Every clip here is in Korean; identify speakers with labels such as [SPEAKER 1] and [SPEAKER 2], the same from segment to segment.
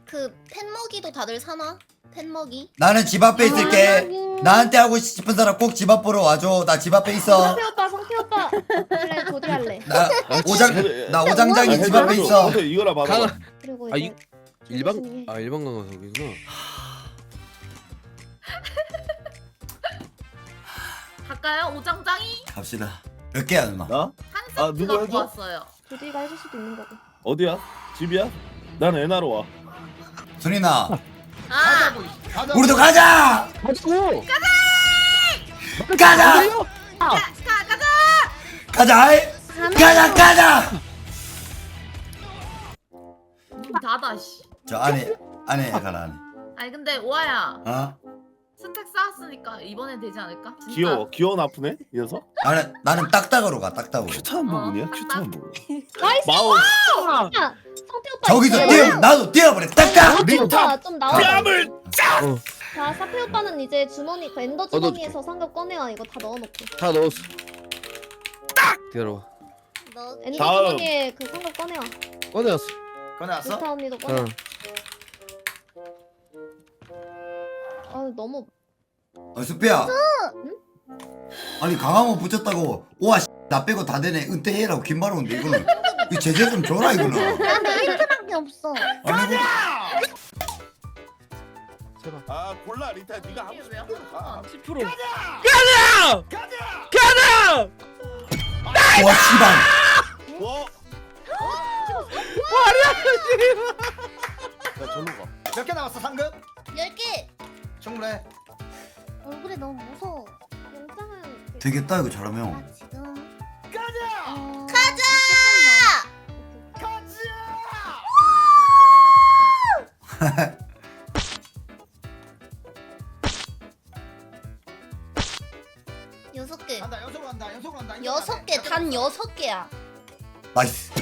[SPEAKER 1] 그 팬먹이도 다들 사나? 팬먹이?
[SPEAKER 2] 나는 집 앞에 있을게. 나한테 하고 싶은 사람 꼭 집 앞으로 와줘. 나 집 앞에 있어.
[SPEAKER 3] 성태 오빠, 성태 오빠. 그래, 조디할래.
[SPEAKER 2] 나 오장장이 집 앞에 있어.
[SPEAKER 4] 이거라 봐봐.
[SPEAKER 3] 그리고
[SPEAKER 5] 아,
[SPEAKER 3] 이제
[SPEAKER 5] 일반 일반 강화석이구나.
[SPEAKER 6] 갈까요? 오장장이?
[SPEAKER 2] 갑시다. 몇 개야 누나?
[SPEAKER 4] 나?
[SPEAKER 6] 한
[SPEAKER 4] 아,
[SPEAKER 6] 세트
[SPEAKER 4] 누구
[SPEAKER 6] 갖고
[SPEAKER 4] 해줘?
[SPEAKER 6] 왔어요.
[SPEAKER 3] 조디가 해줄 수도 있는 거고.
[SPEAKER 4] 어디야? 집이야? 난 애나로 와.
[SPEAKER 2] 순이나
[SPEAKER 6] 아!
[SPEAKER 2] 우리도 가자.
[SPEAKER 5] 가지고.
[SPEAKER 2] 가자.
[SPEAKER 6] 가자!
[SPEAKER 2] 가자. 가자.
[SPEAKER 6] 문 닫아 씨.
[SPEAKER 2] 저 안에 가라 안에.
[SPEAKER 6] 아니 근데 오아야
[SPEAKER 2] 어?
[SPEAKER 6] 스택 쌓았으니까 이번엔 되지 않을까? 진짜?
[SPEAKER 4] 귀여워 나쁘네 이 녀석.
[SPEAKER 2] 나는 딱딱으로 가 딱딱으로.
[SPEAKER 4] 큐트한 부분이야
[SPEAKER 6] 어,
[SPEAKER 4] 큐트한 부분.
[SPEAKER 3] 나이스!
[SPEAKER 4] 마우
[SPEAKER 3] 야, 성태 오빠.
[SPEAKER 2] 저기서
[SPEAKER 3] 이제
[SPEAKER 2] 나도 뛰어버려 딱딱.
[SPEAKER 3] 성태 오빠 좀 나와.
[SPEAKER 4] 뺨을
[SPEAKER 3] 자, 사페 오빠는 이제 주머니, 그 엔더 주머니에서 상급 꺼내와. 이거 다 넣어놓고.
[SPEAKER 5] 다 넣었어. 딱 기다려봐.
[SPEAKER 1] 너
[SPEAKER 3] 엔더
[SPEAKER 4] 다음.
[SPEAKER 3] 주머니에 그 상급 꺼내와.
[SPEAKER 5] 꺼내왔어.
[SPEAKER 2] 꺼내왔어?
[SPEAKER 3] 루타 언니도 꺼내.
[SPEAKER 5] 응.
[SPEAKER 3] 아, 너무.
[SPEAKER 2] 수피야. 아니 강화문 붙였다고 우와 나 빼고 다 되네 은퇴해라고 긴 말 오는데 이거는 이 제재 좀 줘라 이거는.
[SPEAKER 1] 나한테 1트밖에 없어.
[SPEAKER 2] 아니 이거
[SPEAKER 5] 제발.
[SPEAKER 4] 아 골라 리타 네가 하고
[SPEAKER 6] 이게
[SPEAKER 4] 싶은
[SPEAKER 6] 왜
[SPEAKER 4] 대로 가.
[SPEAKER 5] 10%. 가자! 가자!
[SPEAKER 2] 와 씨발.
[SPEAKER 4] 뭐? 야 절로 가.
[SPEAKER 7] 몇 개 남았어 상급?
[SPEAKER 1] 10개!
[SPEAKER 7] 충분해.
[SPEAKER 1] 얼굴이 너무 무서워.
[SPEAKER 3] 영장은.
[SPEAKER 2] 되겠다 이거 잘하면.
[SPEAKER 1] 나 지금
[SPEAKER 7] 가자!
[SPEAKER 1] 가자! 여섯 개.
[SPEAKER 7] 간다 연속으로 간다 연속으로 간다.
[SPEAKER 1] 여섯 개, 단 6개야.
[SPEAKER 2] 나이스.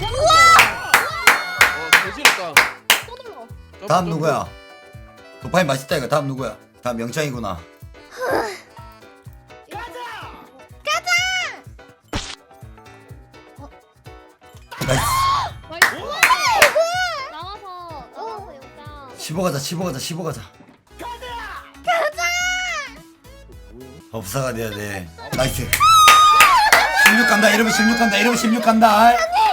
[SPEAKER 5] 개지렸다.
[SPEAKER 3] 또 눌러.
[SPEAKER 2] 다음 누구야? 도파민 맛있다 이거. 다음 누구야? 다음 명창이구나. 나이스.
[SPEAKER 3] 나와서 영장.
[SPEAKER 2] 15 가자 15 가자 15 가자. 법사가 돼야 돼. 나이스. 16 간다 이러면 16 간다 이러면 16 간다.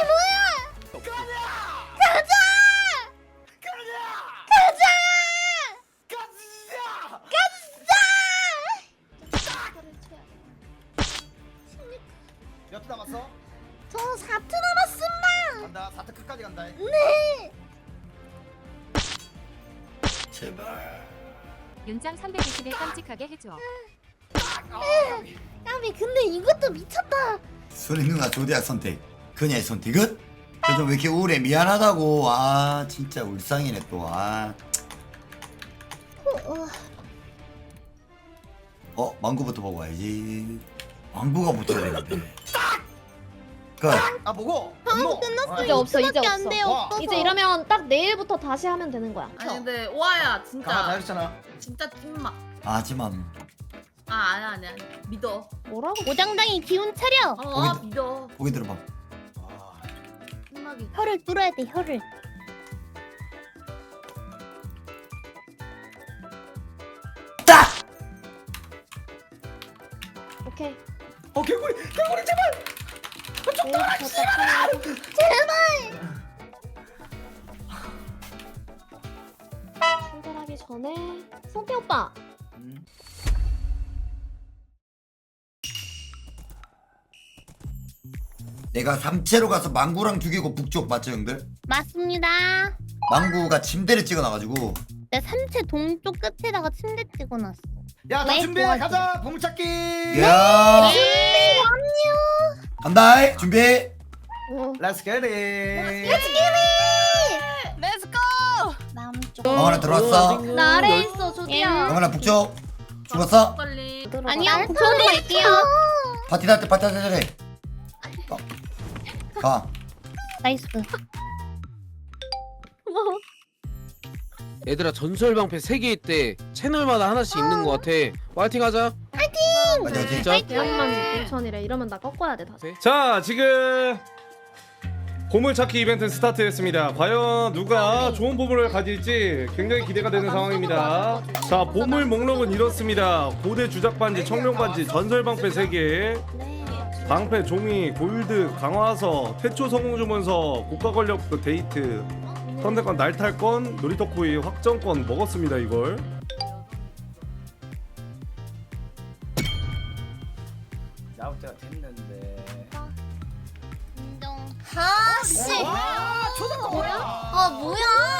[SPEAKER 7] 몇 개 남았어?
[SPEAKER 1] 저 4트 남았습니다.
[SPEAKER 7] 간다 4트 끝까지 간다.
[SPEAKER 1] 네.
[SPEAKER 2] 제발.
[SPEAKER 8] 윤장 320에 깜찍하게 해줘.
[SPEAKER 1] 까비 근데 이것도 미쳤다.
[SPEAKER 2] 소리 누나 조디악 선택. 그녀의 선택은? 요즘 왜 이렇게 우울해 미안하다고. 아 진짜 울상이네 또. 아. 망구부터 보고 와야지. 망구가 붙어야 되는데. 끝.
[SPEAKER 7] 아 보고.
[SPEAKER 1] 끝났어.
[SPEAKER 3] 이제 없어, 이제
[SPEAKER 1] 이거밖에 안
[SPEAKER 3] 없어.
[SPEAKER 1] 돼요,
[SPEAKER 7] 와.
[SPEAKER 1] 없어서.
[SPEAKER 3] 이제 이러면 딱 내일부터 다시 하면 되는 거야.
[SPEAKER 6] 아니 근데 오아야
[SPEAKER 7] 강화 다
[SPEAKER 6] 진짜
[SPEAKER 7] 했잖아.
[SPEAKER 6] 진짜 찐막.
[SPEAKER 2] 하지만
[SPEAKER 6] 아니야 믿어.
[SPEAKER 3] 뭐라고?
[SPEAKER 1] 오장장이 기운 차려.
[SPEAKER 2] 거기-
[SPEAKER 6] 믿어.
[SPEAKER 2] 보기 들어봐.
[SPEAKER 7] 아,
[SPEAKER 6] 찐막이.
[SPEAKER 1] 혀를 뚫어야 돼, 혀를.
[SPEAKER 2] 딱.
[SPEAKER 3] 오케이.
[SPEAKER 7] 개구리 제발.
[SPEAKER 3] 내일부터 딱 하면 출발하기 전에 성태 오빠.
[SPEAKER 2] 내가 삼채로 가서 망구랑 죽이고 북쪽 맞죠 형들?
[SPEAKER 1] 맞습니다.
[SPEAKER 2] 망구가 침대를 찍어놔가지고.
[SPEAKER 1] 내 삼체 동쪽 끝에다가 침대 찍어놨어.
[SPEAKER 7] 야나
[SPEAKER 1] 왜?
[SPEAKER 7] 준비해
[SPEAKER 1] 도와줘.
[SPEAKER 7] 가자 보물찾기.
[SPEAKER 2] 야
[SPEAKER 1] 네,
[SPEAKER 2] 간다. 준비.
[SPEAKER 7] Let's get it.
[SPEAKER 1] 남쪽.
[SPEAKER 2] 강원아 들어왔어.
[SPEAKER 3] 나 아래에 있어, 조디야.
[SPEAKER 2] 강원아 북쪽. 죽었어?
[SPEAKER 6] 빨리.
[SPEAKER 1] 아니요, 저도 갈게요.
[SPEAKER 2] 파티 할 때 파티 할 때. 가.
[SPEAKER 1] 나이스.
[SPEAKER 5] 얘들아 전설방패 3개 있대. 채널마다 하나씩 있는 거 같아. 파이팅 하자.
[SPEAKER 2] 맞아
[SPEAKER 5] 진짜.
[SPEAKER 3] 대학만 6천이래. 이러면 나 꺾어야 돼, 다시.
[SPEAKER 9] 자 지금 보물찾기 이벤트 스타트했습니다. 과연 누가 좋은 보물을 가질지 굉장히 기대가 되는 상황입니다. 자, 보물 목록은 이렇습니다. 고대 주작 반지, 청룡 반지, 전설 방패 3개, 방패 종이, 골드, 강화서, 태초 성공 주문서, 고가 권력 데이트, 선택권 날탈권, 놀이터 코인 확정권 먹었습니다. 이걸.
[SPEAKER 7] 나올 때가 됐는데.
[SPEAKER 1] 인정.
[SPEAKER 10] 아씨.
[SPEAKER 7] 와, 초등학교 뭐야?
[SPEAKER 10] 아 뭐야?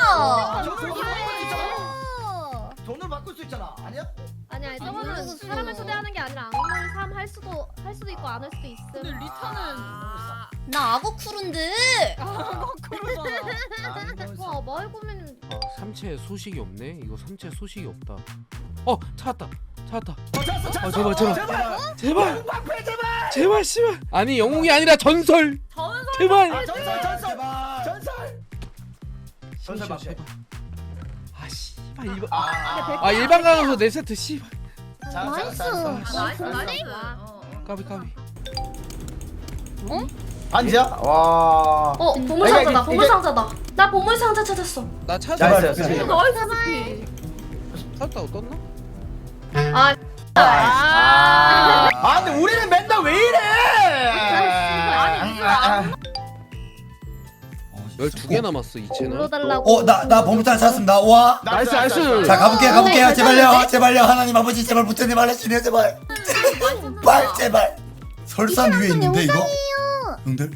[SPEAKER 7] 돈을 바꿀 수 있잖아. 아니야?
[SPEAKER 3] 아니야 저거는 사람을 초대하는 게 아니라 악몽 삶 할 수도 있고 안 할 수도 있음.
[SPEAKER 6] 근데 리타는
[SPEAKER 10] 나 악어 쿠른데.
[SPEAKER 3] 와 말 보면
[SPEAKER 5] 삼체 소식이 없네. 이거 삼체 소식이 없다. 찾았다.
[SPEAKER 7] 찾았어.
[SPEAKER 5] 제발. 제발 씨발. 아니 영웅이 아니라 전설. 제발.
[SPEAKER 7] 전설 방패.
[SPEAKER 5] 제발. 아 씨발 일반.
[SPEAKER 7] 아,
[SPEAKER 5] 일반 강화서 4세트 씨발.
[SPEAKER 1] 나이스.
[SPEAKER 6] 나이스.
[SPEAKER 5] 까비.
[SPEAKER 7] 반지야? 와.
[SPEAKER 3] 보물 상자다. 보물 상자다. 나 보물 상자 찾았어.
[SPEAKER 5] 나 찾았어.
[SPEAKER 7] 나이스.
[SPEAKER 6] 나이스.
[SPEAKER 5] 찾았다고 떴나?
[SPEAKER 7] 근데 우리는 맨날 왜 이래?
[SPEAKER 6] 아니
[SPEAKER 5] 12개 남았어 이 채널.
[SPEAKER 3] 불러달라고.
[SPEAKER 2] 나 보물탄 찾았습니다. 와.
[SPEAKER 5] 나이스.
[SPEAKER 2] 자 가볼게요. 제발요. 하나님 아버지 제발 부처님 알려주세요 제발. 제발. 설산 위에 있는데 이거? 형들?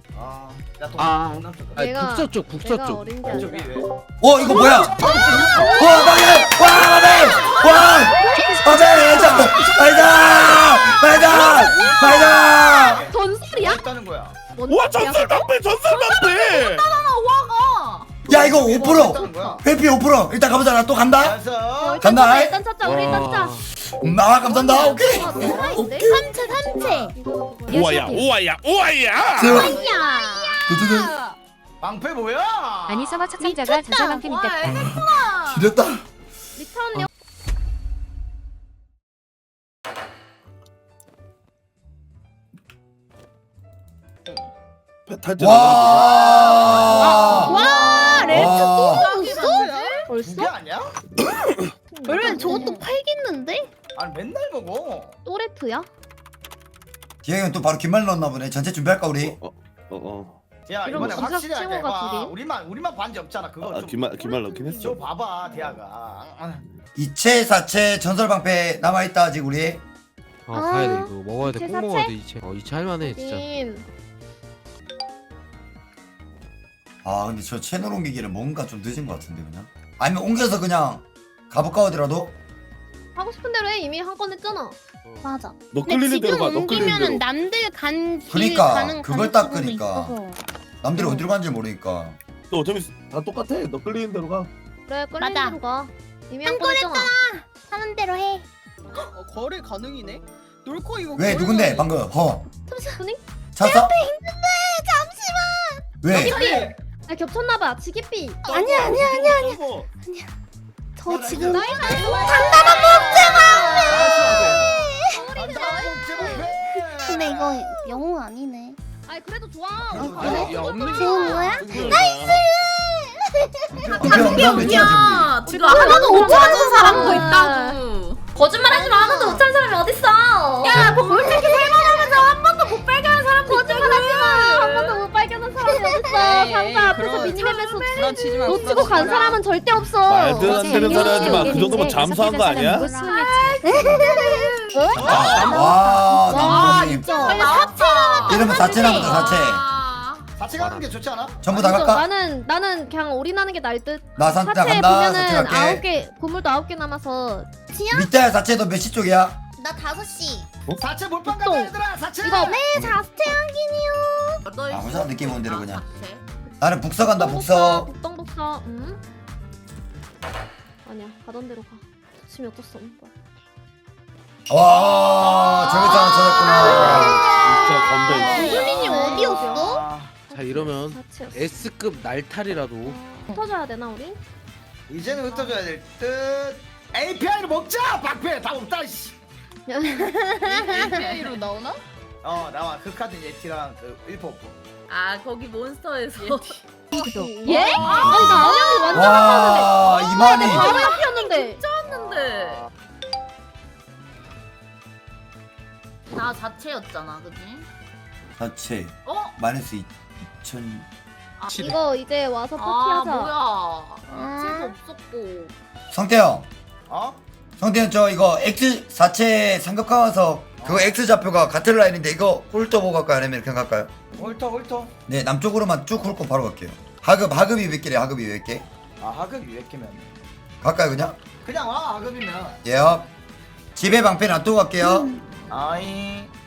[SPEAKER 5] 국서 쪽.
[SPEAKER 3] 내가 어린 게 아니라.
[SPEAKER 2] 이거 뭐야? 마비! 말자!
[SPEAKER 3] 전설이야?
[SPEAKER 7] 있다는 거야.
[SPEAKER 4] 와 전설 방패.
[SPEAKER 2] 야 이거 5%!
[SPEAKER 7] 있다는 거야.
[SPEAKER 2] 회피 5%! 일단 가보자. 나 또 간다.
[SPEAKER 7] 알았어.
[SPEAKER 2] 간다.
[SPEAKER 3] 일단 찾자. 우리 일단 찾자.
[SPEAKER 2] 감사합니다. 오케이.
[SPEAKER 1] 삼체.
[SPEAKER 4] 오아야.
[SPEAKER 2] 제발. 두두두.
[SPEAKER 7] 방패 뭐야?
[SPEAKER 8] 아니 서버 착상자가 전설 방패 밑에
[SPEAKER 2] 지렸다.
[SPEAKER 3] 리타운
[SPEAKER 4] 탈퇴.
[SPEAKER 1] 와 렐트 또 있어?
[SPEAKER 7] 두 개 아니야?
[SPEAKER 1] 원래 저것도 팔겠는데?
[SPEAKER 7] 아니 맨날 먹어.
[SPEAKER 3] 또레트야?
[SPEAKER 2] 기획은 또 바로 긴말 넣었나 보네. 전체 준비할까 우리?
[SPEAKER 7] 야
[SPEAKER 3] 이러면
[SPEAKER 7] 이번에
[SPEAKER 3] 진짜
[SPEAKER 7] 확실히 하게
[SPEAKER 3] 친구가
[SPEAKER 7] 봐.
[SPEAKER 3] 둘이?
[SPEAKER 7] 우리만 반지 없잖아. 그거 좀.
[SPEAKER 4] 기말 넣긴 했어.
[SPEAKER 7] 저 봐봐 대하가.
[SPEAKER 2] 2채 4채 전설 방패 남아있다 아직 우리.
[SPEAKER 5] 가야 돼 이거 먹어야 돼. 꼭
[SPEAKER 3] 이채
[SPEAKER 5] 먹어야 돼 이채. 이채 할만해 진짜.
[SPEAKER 2] 근데 저 채널 옮기기를 뭔가 좀 늦은 것 같은데 그냥. 아니면 옮겨서 그냥 가볼까 하더라도.
[SPEAKER 3] 하고 싶은 대로 해. 이미 한 건 했잖아.
[SPEAKER 1] 맞아.
[SPEAKER 4] 너
[SPEAKER 1] 근데
[SPEAKER 4] 끌리는 대로
[SPEAKER 1] 지금
[SPEAKER 4] 가. 너 끌리는
[SPEAKER 1] 옮기면은
[SPEAKER 4] 대로.
[SPEAKER 1] 남들 간 길
[SPEAKER 2] 그러니까,
[SPEAKER 1] 가는
[SPEAKER 2] 그걸 딱
[SPEAKER 1] 가능성도
[SPEAKER 2] 그러니까.
[SPEAKER 1] 있어서.
[SPEAKER 2] 남들이 어디로 간지 모르니까.
[SPEAKER 4] 너 어차피 다 똑같아. 너 끌리는 대로 가.
[SPEAKER 3] 그래 끌리는
[SPEAKER 1] 맞아.
[SPEAKER 3] 대로 가. 이미
[SPEAKER 1] 한
[SPEAKER 3] 한 건 했잖아.
[SPEAKER 1] 하는 대로 해.
[SPEAKER 6] 거래 가능이네. 놀코 이거.
[SPEAKER 2] 왜 누군데 방금?
[SPEAKER 3] 순이?
[SPEAKER 2] 찾았어?
[SPEAKER 1] 잠시만.
[SPEAKER 2] 왜?
[SPEAKER 3] 지기삐. 아 겹쳤나봐. 지기삐.
[SPEAKER 1] 아니야.
[SPEAKER 4] 너
[SPEAKER 1] 저 지금 근데 이거 영웅 아니네.
[SPEAKER 3] 아이 그래도 좋아.
[SPEAKER 5] 야 없는 게.
[SPEAKER 1] 좋은 거야?
[SPEAKER 6] 야 지금 하나도 못 찾은 사람도 있다고.
[SPEAKER 10] 거짓말하지 마. 하나도 못 찾은 사람이 어딨어?
[SPEAKER 6] 야 보물찾기 살만하면서 한 번도 못 발견한 사람도
[SPEAKER 3] 거짓말하지 마. 한 번도 못 발견한 사람이 어딨어. 상자 앞에서 미니맵에서 놓치고 간 사람은 절대 없어.
[SPEAKER 4] 말도 안 되는 소리 하지 마. 그 정도면 잠수한 거 아니야?
[SPEAKER 2] 와, 남동님.
[SPEAKER 1] 빨리
[SPEAKER 2] 이러면 4채 남았다 4채.
[SPEAKER 7] 같이 가는 게 좋지 않아?
[SPEAKER 2] 전부 다 갈까?
[SPEAKER 3] 나는 그냥 올인하는 게 나을 듯.
[SPEAKER 2] 나 산타
[SPEAKER 3] 사채
[SPEAKER 2] 간다. 4채
[SPEAKER 3] 보면은
[SPEAKER 2] 갈게.
[SPEAKER 3] 9개 보물도 9개 남아서
[SPEAKER 2] 밑에 4채 너 몇 시 쪽이야?
[SPEAKER 10] 나 5시.
[SPEAKER 7] 4채 몰빵 가자 얘들아. 4채.
[SPEAKER 3] 이거
[SPEAKER 1] 네, 자스테 향기니요.
[SPEAKER 2] 아무 느낌 온 대로 그냥. 나는 북서 간다 북서.
[SPEAKER 3] 북동북서. 아니야 가던 대로 가. 지금 어쩔 수 없는 거야.
[SPEAKER 2] 와 저기서 하나
[SPEAKER 4] 진짜 건배.
[SPEAKER 1] 유린이 어디였어?
[SPEAKER 5] 자 이러면
[SPEAKER 3] 사치였어.
[SPEAKER 5] S급 날탈이라도.
[SPEAKER 3] 흩어져야 되나 우리?
[SPEAKER 7] 이제는 흩어져야 될 듯. API를 먹자. 방패 다 없다. 씨.
[SPEAKER 6] API로 나오나?
[SPEAKER 7] 나와 그 카드 예티랑 그 1포.
[SPEAKER 6] 아 거기 몬스터에서
[SPEAKER 3] 예? 아니 나 안녕이 완전
[SPEAKER 2] 와 이만희
[SPEAKER 3] 바로 옆이었는데.
[SPEAKER 6] 쳤는데 나 자체였잖아 그지?
[SPEAKER 2] 자체
[SPEAKER 6] 어?
[SPEAKER 2] 마이너스 2000
[SPEAKER 3] 이거 이제 와서
[SPEAKER 6] 아
[SPEAKER 3] 파티하자.
[SPEAKER 6] 뭐야 자체도 없었고
[SPEAKER 2] 성태형
[SPEAKER 7] 어?
[SPEAKER 2] 성태형 저 이거 X 사체 삼각형 와서 그거 X 좌표가 같은 라인인데 이거 홀터 보고 갈까요 아니면 이렇게 갈까요?
[SPEAKER 7] 홀터.
[SPEAKER 2] 네 남쪽으로만 쭉 훑고 바로 갈게요. 하급이 몇 개래 하급이 몇 개?
[SPEAKER 7] 아 하급 200개면
[SPEAKER 2] 갈까요 그냥?
[SPEAKER 7] 그냥 와 하급이면.
[SPEAKER 2] 예요. 집에 방패 놔두고 갈게요.
[SPEAKER 7] 아이.